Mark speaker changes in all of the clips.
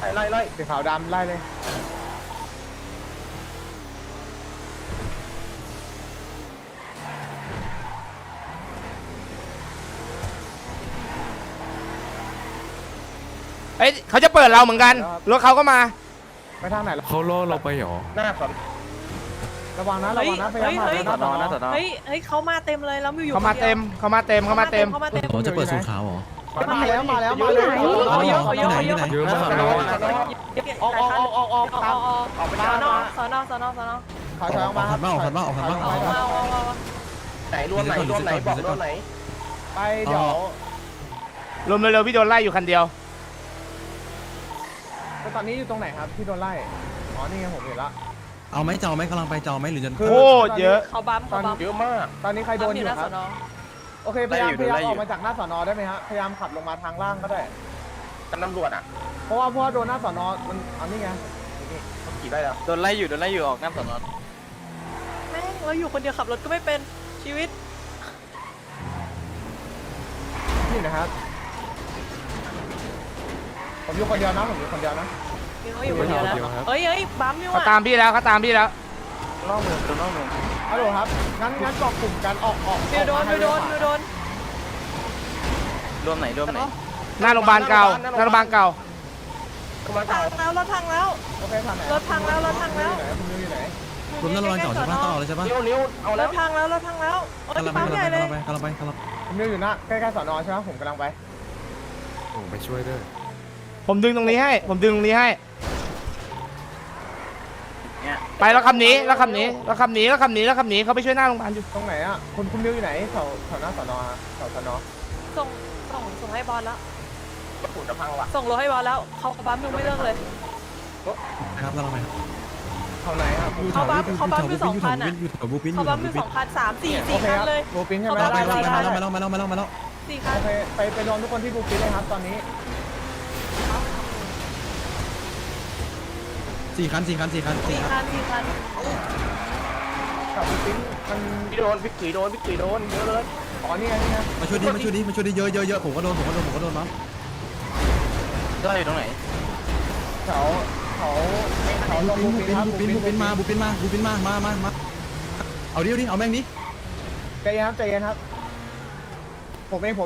Speaker 1: ไล่
Speaker 2: สีขาวดำไล่เลย
Speaker 3: เอ้ยเขาจะเปิดเราเหมือนกันรถเขาก็มา
Speaker 2: ไปทางไหน
Speaker 4: เขาล่อเราไปหรอ
Speaker 1: หน้าก่อน
Speaker 2: ระวังนะพยายามหา
Speaker 1: สอนอ
Speaker 5: เฮ้ยเขามาเต็มเลยแล้วอยู่
Speaker 3: เขามาเต็ม
Speaker 4: เขาจะเปิดสูงขาวหรอ
Speaker 2: มาแล้ว
Speaker 5: เขาเยอะ
Speaker 4: เยอะมากเลย
Speaker 5: ออกไปสอนอ
Speaker 2: ถอยออกมาครับ
Speaker 1: ไหนรวมไหนบอกรวมไหน
Speaker 2: ไปเดี๋ยว
Speaker 3: รวมเร็วๆพี่โดนไล่อยู่คันเดียว
Speaker 2: ตอนนี้อยู่ตรงไหนครับที่โดนไล่อ๋อนี่ไงผมเห็นละ
Speaker 4: เอาไหมเจ้าไหมกำลังไปเจ้าไหมหรือจะ
Speaker 3: โคตรเยอะ
Speaker 5: เขาบัม
Speaker 1: เยอะมาก
Speaker 2: ตอนนี้ใครโดนอยู่ครับโอเคพยายามออกมาจากหน้าสอนอได้ไหมฮะพยายามขับลงมาทางล่างก็ได้
Speaker 1: กันตำรวจอ่ะ
Speaker 2: เพราะว่าโดนหน้าสอนอมันอันนี้ไง
Speaker 1: นี่เขาขี่ได้แล้ว
Speaker 6: โดนไล่อยู่ออกหน้าสอนอ
Speaker 5: แม่งเราอยู่คนเดียวขับรถก็ไม่เป็นชีวิต
Speaker 2: นี่นะครับผมอยู่คนเดียวนะ
Speaker 5: อยู่คนเดียวนะเฮ้ยบัมนี่ว่ะ
Speaker 3: เขาตามพี่แล้ว
Speaker 1: นอกเมือง
Speaker 2: ฮัลโหลครับงั้นเกาะกลุ่มกันออก
Speaker 5: โดน
Speaker 6: รวมไหน
Speaker 3: หน้าโรงพยาบาลเก่าร
Speaker 5: ถพังแล้ว
Speaker 2: โอเคทางไหน
Speaker 5: รถพังแล้ว
Speaker 2: คุณอยู่ไหน
Speaker 4: รวมนั่นระวังเก่าใช่ปะต้องเอาเลยใช่ปะ
Speaker 1: นิ้วเอาแล้ว
Speaker 5: รถพังแล้ว
Speaker 4: กำลังไป
Speaker 2: ผมอยู่หน้าใกล้ๆสอนอใช่ไหมผมกำลังไป
Speaker 4: โอ้ไปช่วยด้วย
Speaker 3: ผมดึงตรงนี้ให้ไปแล้วคำนี้เขาไปช่วยหน้าโรงพยาบาลอยู่
Speaker 2: ตรงไหนอ่ะคุณมิวอยู่ไหนแถวหน้าสอนอแถวสอนอ
Speaker 5: ส่งให้บอลแล้ว
Speaker 1: ฝุ่นจะพังว่ะ
Speaker 5: ส่งรถให้บอลแล้วเขาบัมยังไม่เลิกเลย
Speaker 4: ครับเราไป
Speaker 2: เขาไหนครับ
Speaker 5: เขาบัมอยู่2,000อ่ะ
Speaker 4: เขาบัมอยู่
Speaker 5: 2,000 3-4 คันเลย
Speaker 2: บูปินใช่ไหม
Speaker 4: มาแล้ว4คัน
Speaker 2: ไปรวมทุกคนที่บูปินเลยครับตอนนี้
Speaker 4: 4 คัน
Speaker 2: กับบูปินมัน
Speaker 1: พี่กุ๋ยโดนเยอะเลย
Speaker 2: อ๋อนี่ไง
Speaker 4: มาช่วยดิเยอะผมก็โดนมั้ง
Speaker 6: ได้อยู่ตรงไหน
Speaker 2: เขาลงบูปิน
Speaker 4: มาเอาดิเอาแม่งดิ
Speaker 2: ใจเย็นครับผมเอง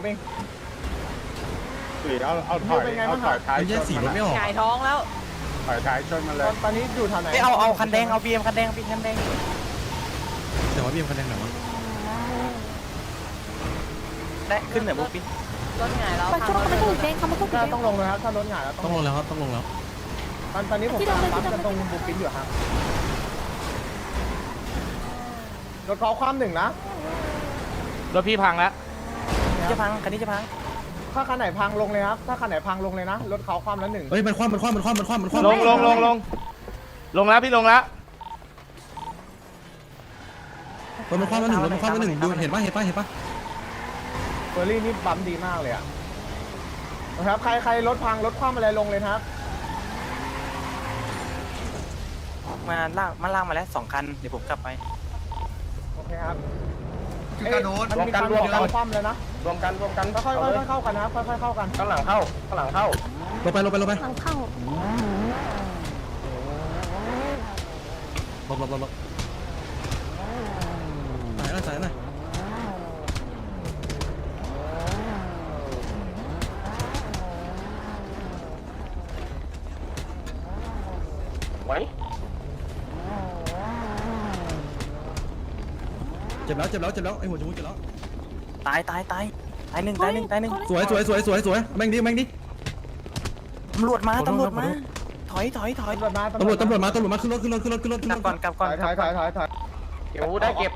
Speaker 2: เอาถอยท้าย
Speaker 4: แยกสีรถไม่ออก
Speaker 5: หงายท้องแล้ว
Speaker 2: ถอยท้ายชนมาเลยตอนนี้อยู่ทางไหน
Speaker 6: เอาคันแดงเอาบีเอ็มคันแดง
Speaker 4: แต่ว่าบีเอ็มคันแดงไหนวะ
Speaker 6: ได้ขึ้นไหนบุ๊กปิ้น
Speaker 5: รถหงายแล้ว
Speaker 2: ต้องลงเลยครับถ้ารถหงายแล้ว
Speaker 4: ต้องลงแล้วครับต
Speaker 2: อนนี้ผมตามปั๊มกันตรงบูปินอยู่ครับรถเขาคว่ำหนึ่งนะ
Speaker 3: รถพี่พังแล้ว
Speaker 6: คันนี้จะพัง
Speaker 2: ถ้าคันไหนพังลงเลยครับถ้าคันไหนพังลงเลยนะรถเขาคว่ำแล้วหนึ่ง
Speaker 4: เฮ้ยมันคว่ำลง
Speaker 3: แล้วพี่ลงแล้ว
Speaker 4: มันคว่ำแล้วหนึ่งดูเห็นปะ
Speaker 2: เฟอร์รี่นี่บัมดีมากเลยอะนะครับใครรถพังรถคว่ำอะไรลงเลยครับ
Speaker 6: มาล่างมาแล้ว2 คันเดี๋ยวผมกลับไป
Speaker 2: โอเคครับมันมีการรวมกันคว่ำเลยนะ
Speaker 1: รวมกัน
Speaker 2: ค่อยๆเข้ากันนะครับค่อยๆเข้ากัน
Speaker 1: ข้างหลังเข้า
Speaker 4: ลงไปหลังเข้าหลบสายหน่อย
Speaker 1: ไว้
Speaker 4: เจ็บแล้วไอ้หัวจมูกเจ็บแล้ว
Speaker 6: ตายหนึ่ง
Speaker 4: สวยแม่งดิ
Speaker 6: ตำรวจมาถอย
Speaker 2: ตำรวจมาขึ้นรถ
Speaker 6: กลับก่อน
Speaker 2: ถอย
Speaker 1: เดี๋ยวได้เก็บ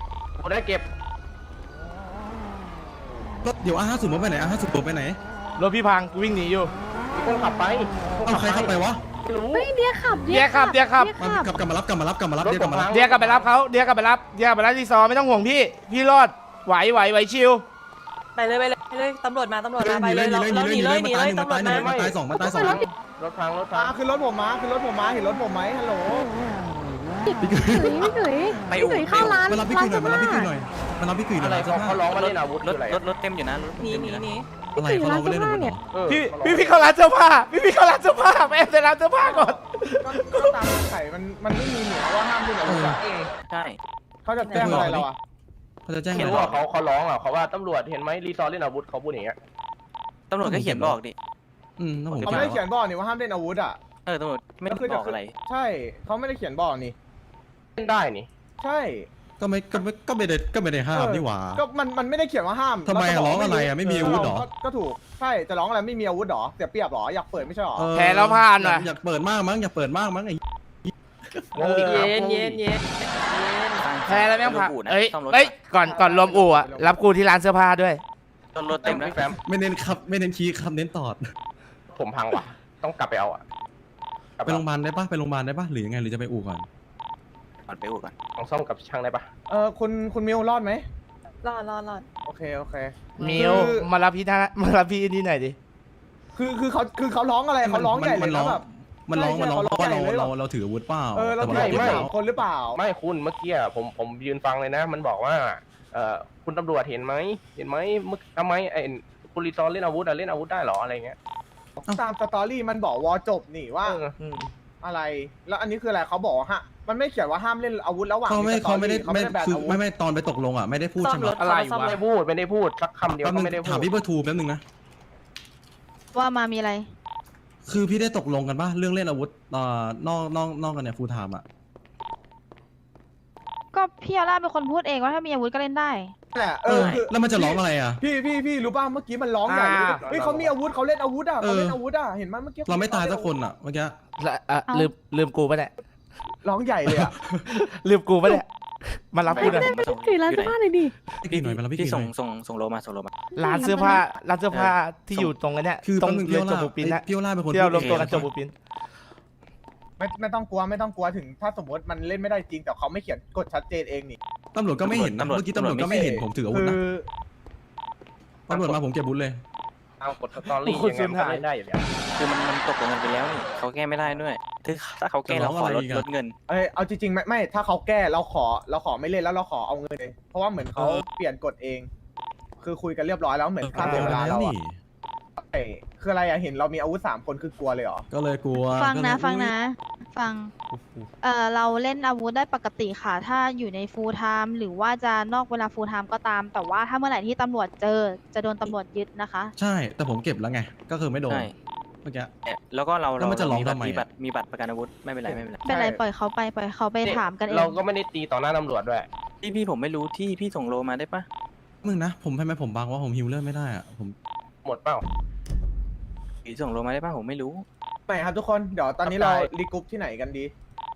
Speaker 4: รถเดี๋ยว50ไปไหนไปไหน
Speaker 3: รถพี่พังวิ่งหนีอยู่
Speaker 1: มีคนขับไป
Speaker 4: เอาใครขับไปวะ
Speaker 3: เดียขับ
Speaker 4: กลับมารับ
Speaker 3: เดียกลับไปรับรีซอไม่ต้องห่วงพี่รอดไหวชิว
Speaker 5: ไปเลยตำรวจมาไปเลยเราหนีเลยตำรวจ
Speaker 4: มาตาย2
Speaker 1: รถพัง
Speaker 2: ขึ้นรถผมมาเห็นรถผมไหมฮัลโหล
Speaker 4: พี่กุย
Speaker 7: พี่เขย
Speaker 6: ไป
Speaker 7: พี่เขยเข้าร้าน
Speaker 4: มารับพี่กุยหน่อยมารับพี่กุยหน่อยมารับพี่กุยหน่
Speaker 1: อะ
Speaker 4: อย
Speaker 1: ไร
Speaker 4: เสื้อผ้า
Speaker 1: เขาร้องมาเล่นอาวุธ
Speaker 6: รถ
Speaker 1: อะไร
Speaker 6: รถเต็มอยู่นะรถ
Speaker 5: หนี
Speaker 6: เต็ม
Speaker 5: ห
Speaker 6: อ
Speaker 5: นี
Speaker 6: ยู่นะ
Speaker 5: หนี
Speaker 4: อะไรเขาร้องมาเล่นอาวุธเหรอ
Speaker 3: พี่เข้าร้านเสื้อผ้าพี่เข้าร้านเสื้อผ้าไปแอบในร้านเสื้อผ้าก่อน
Speaker 2: ก็ตามไข่มันไม่มีเหนือว่าห้ามเล่นอาวุธอะ
Speaker 6: ใช่
Speaker 2: เขาจะแจ้งอะไรเราอะ
Speaker 4: เขาจะแจ้ง
Speaker 1: ไม่
Speaker 4: อะไร
Speaker 1: รู้ว่าเขาร้องอ่ะเขาว่าตำรวจเห็นไหมรีซอร์เล่นอาวุธเขาพูดอย่างเงี้ย
Speaker 6: ตำรวจก็เขียนบอกดิ
Speaker 4: ถ้าผม
Speaker 2: เขาไม่ได้เขียนบอกนี่ว่าห้ามเล่นอาวุธอะ
Speaker 6: ตำรวจไม่ได้
Speaker 2: แล้วคือ
Speaker 6: บอกอะไร
Speaker 2: ใช่เขาไม่ได้เขียนบอกนี่
Speaker 1: เล่นได้นี่
Speaker 2: ใช่
Speaker 4: ก็ไม่ได้ห้ามนี่หว่า
Speaker 2: ก็มันไม่ได้เขียนว่าห้าม
Speaker 4: ทำไมอะ
Speaker 2: แล้วจบก
Speaker 4: ร้องอะไรอะไม่มีอาวุธเหรอ
Speaker 2: ก็ถูกใช่จะร้องอะไรไม่มีอาวุธเหรอเสียเปรียบเหรออยากเปิดไม่ใช่เหรอ
Speaker 3: แพ้แล้วผ่านว่ะ
Speaker 4: อยากเปิดมากมั้งอยากเปิดมากมั้งไอ้
Speaker 1: งงอีก
Speaker 5: เย็นเย็นเย็น
Speaker 3: แพ้แล้วแม่งผ่าน
Speaker 6: อู่นะ
Speaker 3: เอ้ย
Speaker 6: ซ่อมรถ
Speaker 3: เอ้ยก่อนรวมอู่อะรับกูที่ร้านเสื้อผ้าด้วย
Speaker 6: รถเต็มนะ
Speaker 1: พี่แฟม
Speaker 4: ไม่เน้นครับไม่เน้นคีย์ครับเน้นตอด
Speaker 1: ผมพังว่ะต้องกลับไปเอาอ่ะกลับ
Speaker 4: ไปโรงพยาบาลได้ปะไปโรงพยาบาลได้ปะหรือยังไงหรือจะไปอู่ก่อน
Speaker 6: ก่อนไปอู่ก่อน
Speaker 1: ต้องซ่อมกับช่างได้ปะ
Speaker 2: คุณมิวรอดไหม
Speaker 5: รอด
Speaker 2: โอเคโอเค
Speaker 3: มิวมารับพี่นี่หน่อยดิ
Speaker 2: คือเขาร้องอะไรเขาร้องใหญ่เลยนะแบบ
Speaker 4: มันร้อง
Speaker 2: ใช่
Speaker 4: เพราะว่า
Speaker 2: ใช่เขาร้องใหญ่เลย
Speaker 4: เราถืออาวุธเปล่า
Speaker 2: เรา
Speaker 4: แต่
Speaker 2: ถือ
Speaker 4: ว่า
Speaker 2: อาวุธสามคนหรือเปล่า
Speaker 1: ไม่คุณเมื่อกี้อะผมยืนฟังเลยนะ มันบอกว่าคุณตำรวจเห็นไหมทำไมไอ้คุณรีซอร์เล่นอาวุธอะเล่นอาวุธได้เหรออะไรเงี้ย
Speaker 2: ตามสตอรี่มันบอกวอจบนี่ว่า อะไร แล้วอันนี้คืออะไรเขาบอกว่ามันไม่เขียนว่าห้ามเล่นอาวุธระหว่าง
Speaker 4: เขาไม่
Speaker 2: สตอรี่เขา
Speaker 4: ไม่
Speaker 2: ไม่ได้แบน
Speaker 4: คือ
Speaker 2: อาวุธ
Speaker 4: ไม่ตอนไปตกลงอ่ะไม่ได้พูด
Speaker 5: ซ่อ
Speaker 4: ใช่
Speaker 5: ม
Speaker 4: ไหม
Speaker 5: รถ
Speaker 3: อะไร
Speaker 5: ซ่อม
Speaker 3: วะ
Speaker 5: รถ
Speaker 1: ไม่ได้พูดสักคำเดียว
Speaker 4: แป๊บ
Speaker 1: ก็
Speaker 4: นึง
Speaker 1: ไม่ได้พู
Speaker 4: ถาม
Speaker 1: ด
Speaker 4: พี่เบอร์ทูแป๊บนึงนะ
Speaker 7: ว่ามามีอะไร
Speaker 4: คือพี่ได้ตกลงกันป่ะเรื่องเล่นอาวุธนอกกันเนี่ยฟูลไทม์อ่ะ
Speaker 7: ก็พี่อาร่าเป็นคนพูดเองว่าถ้ามีอาวุธก็เล่นได้
Speaker 2: นั่นแหละคือ
Speaker 4: แล้วมันจะร้องอะไรอ่ะ
Speaker 2: พี่รู้ป่ะเมื่อกี้มันร้องใหญ่เลยเฮ้ยเขามีอาวุธเขาเล่นอาวุธอ่ะเขาเล่นอาวุธอ่ะเห็นไหมเมื่อกี้
Speaker 4: เราไม่ตายสักคนอ่ะเมื่อกี้
Speaker 3: ลืมกูปะเนี่ย
Speaker 2: ร้องใหญ่เลยอ่ะ
Speaker 3: ลืมกูปะเนี่ยมารับกูหน่อย
Speaker 7: ถือร้านเสื้อผ้าเลยดิ
Speaker 4: พี่กี่หน่อยมาแล้วพี่
Speaker 6: พี่
Speaker 4: กี่หน่
Speaker 6: ส่
Speaker 4: อง ย
Speaker 6: ส่งโลมาส่งโลมา
Speaker 3: ร้านเสื้อผ้าที่อยู่ตรงนั้นเนี่ย
Speaker 4: คือ
Speaker 3: ตรง
Speaker 4: แป๊บนึง
Speaker 3: เรื
Speaker 4: พี่
Speaker 3: อ
Speaker 4: โอ
Speaker 3: จ
Speaker 4: ล่า
Speaker 3: บูปินนะ
Speaker 4: พี่โอล่าเป็นคน
Speaker 3: ที่เรารวม
Speaker 4: พูด
Speaker 3: ตัวกัน
Speaker 4: เอง
Speaker 3: จบูปิน
Speaker 2: ไม่ต้องกลัวถึงถ้าสมมติมันเล่นไม่ได้จริงแต่เขาไม่เขียนกฎชัดเจนเองนี่
Speaker 4: ตำรวจก็ไม่เห็นนะเมื่อกี้ตำรวจก็ไม่เห็นผมถืออาวุธ
Speaker 2: คื
Speaker 4: นะ
Speaker 2: อ
Speaker 4: ตำรวจมาผมเก็บอาวุธเลย
Speaker 1: เอากดสตอรี่ยังไงมันก็เล่นได้อยู่แล้ว
Speaker 6: คือมันตกลงกันไปแล้วนี่เขาแก้ไม่ได้ด้วยถ้าเขาแก้เราขอลดเงิน
Speaker 2: เอาจริงๆไม่ถ้าเขาแก้เราขอไม่เล่นแล้วเราขอเอาเงินเลยเพราะว่าเหมือนเขาเปลี่ยนกฎเอง คือคุยกันเรียบร้อยแล้วเหมือนค่าเสียเวลาเราอ่ะคืออะไรอ่ะเห็นเรามีอาวุธ3 คนคือกลัวเลยเหรอ
Speaker 4: ก็เลยกลัว
Speaker 7: ฟังนะ
Speaker 4: ก็เลย
Speaker 7: ฟังนะ ฟัง เราเล่นอาวุธได้ปกติค่ะ ถ้าอยู่ในฟูลไทม์หรือว่าจะนอกเวลาฟูลไทม์ก็ตาม แต่ว่าถ้าเมื่อไหร่ที่ตำรวจเจอจะโดนตำรวจยึดนะคะ
Speaker 4: ใช่แต่ผมเก็บแล้วไงก็คือไม่โดน
Speaker 6: ใช่
Speaker 4: เมื่อกี้
Speaker 6: แล้วก็เรา
Speaker 4: แล้วมันจะร้องทำไม
Speaker 6: มีบัตรประกันอาวุธไม่เป็นไร
Speaker 7: เป็นไรปล่อยเขาไปถามกันเอง
Speaker 1: เราก็ไม่ได้ตีต่อหน้าตำรวจด้วย
Speaker 6: พี่ผมไม่รู้ที่พี่ส่งโลมาได้ปะ
Speaker 4: มึงนะผมทำไมผมบังว่าผมฮิวเลือดไม่ได้อ่ะผม
Speaker 1: หมดเปล่า
Speaker 6: พี่ส่งโลมาได้ปะผมไม่รู้
Speaker 2: ไหนครับทุกคนเดี๋ยวตอนนี้เรารีกรุ๊ปที่ไหนกันดี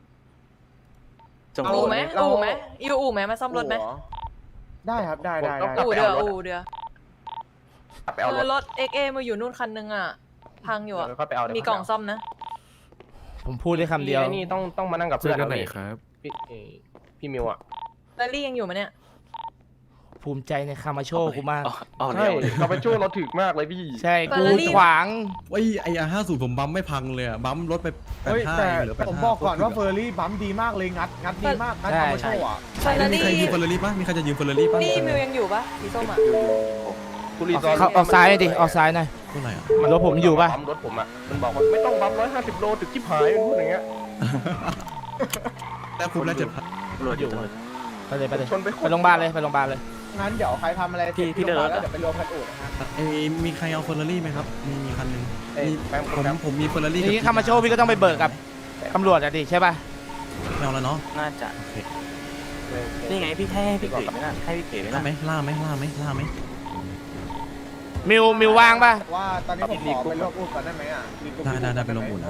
Speaker 6: ส่ง
Speaker 5: เอา
Speaker 6: โล
Speaker 5: อู่ไหม
Speaker 2: เรา
Speaker 5: อู่ไหมอยู่อู่ไหมมาซ่อมรถไหม
Speaker 2: ได้ครับได้
Speaker 5: อู่เดือก
Speaker 1: ลับไปเอารถ
Speaker 5: รถ XA มาอยู่นู่นคันนึงอ่ะพังอยู่อ่ะ
Speaker 1: ค่อยไปเอา
Speaker 5: มีกล่องซ่อมนะ
Speaker 3: ผมพูดได้คำเดียว
Speaker 1: นี่ต้องมานั่งกับเพื่อนไหนครับพี่มิวอ่ะ
Speaker 5: แลลี่ยังอยู่ไหมเนี่ย
Speaker 3: ภูมิใจในคามาโชกูมาก
Speaker 6: อ๋อ
Speaker 1: ใช่เราไปช่วยเราถึกมากเลยพี่
Speaker 3: ใช่กูขวาง
Speaker 4: ไอ้50ผมบัมไม่พังเลยอ่ะบัมรถไป
Speaker 2: เฮ้ยแต่
Speaker 4: 85เหลือ85
Speaker 2: ผมบอกก่อนว่าเฟอร์รี่บัมดีมากเลยงัดดีมากงัดคอมโชว์อ่ะ
Speaker 5: เฟอร์รา
Speaker 4: มี
Speaker 5: รี่
Speaker 4: ใครยืมเฟอร์รารี่ป่ะมีใครจะยืมเฟอร์รารี่ป่ะ
Speaker 5: นี่มิวยังอยู่ปะสีส้มอ่ะ
Speaker 1: คุณรีซอร์
Speaker 3: ออกซ้ายหน่อยดิออกซ้ายหน่อย
Speaker 4: เท่าไหร่อ่ะ
Speaker 3: รถผมอยู่ปะ
Speaker 1: รถผมอ่ะมันบอกว่าไม่ต้องบัม150 โลถึงที่หายมันพูดอย่างเงี้ย
Speaker 4: แต่ผมได้7,000
Speaker 6: ตำรวจอยู่
Speaker 3: ไปเลย
Speaker 1: ชนไป
Speaker 3: ไปโรงพยาบาลเลยไปโรงพยาบาลเลย
Speaker 2: งั้นเดี๋ยวใครทำอะไร
Speaker 6: พี่เดิน
Speaker 2: แล้วเดี๋ยวไปรวมกันอู่นะครับ
Speaker 4: มีใครเอาเฟอร์รารี่ไหมครับมีคันหนึงมี
Speaker 1: แป๊บ
Speaker 4: ผมมีเฟอร์รารี่
Speaker 3: นี่คามาโชพี่ก็ต้องไปเบิกกับตำรวจอะดิใช่ป่ะ
Speaker 4: ไม่เอาแล้วเนาะ
Speaker 6: น่าจะนี่ไงพี่ให้พี่เก๋ไม่น่าให้พี่เก๋ไม่
Speaker 4: ล่า
Speaker 6: น่า
Speaker 4: ไหมล่าไหม
Speaker 3: มิวว่างป่ะ
Speaker 2: ว่าตอนนี้ผมขอไปรวมอู่ก่อนได้ไหมอ่ะ
Speaker 4: ได้ไปลงอุ่นนะ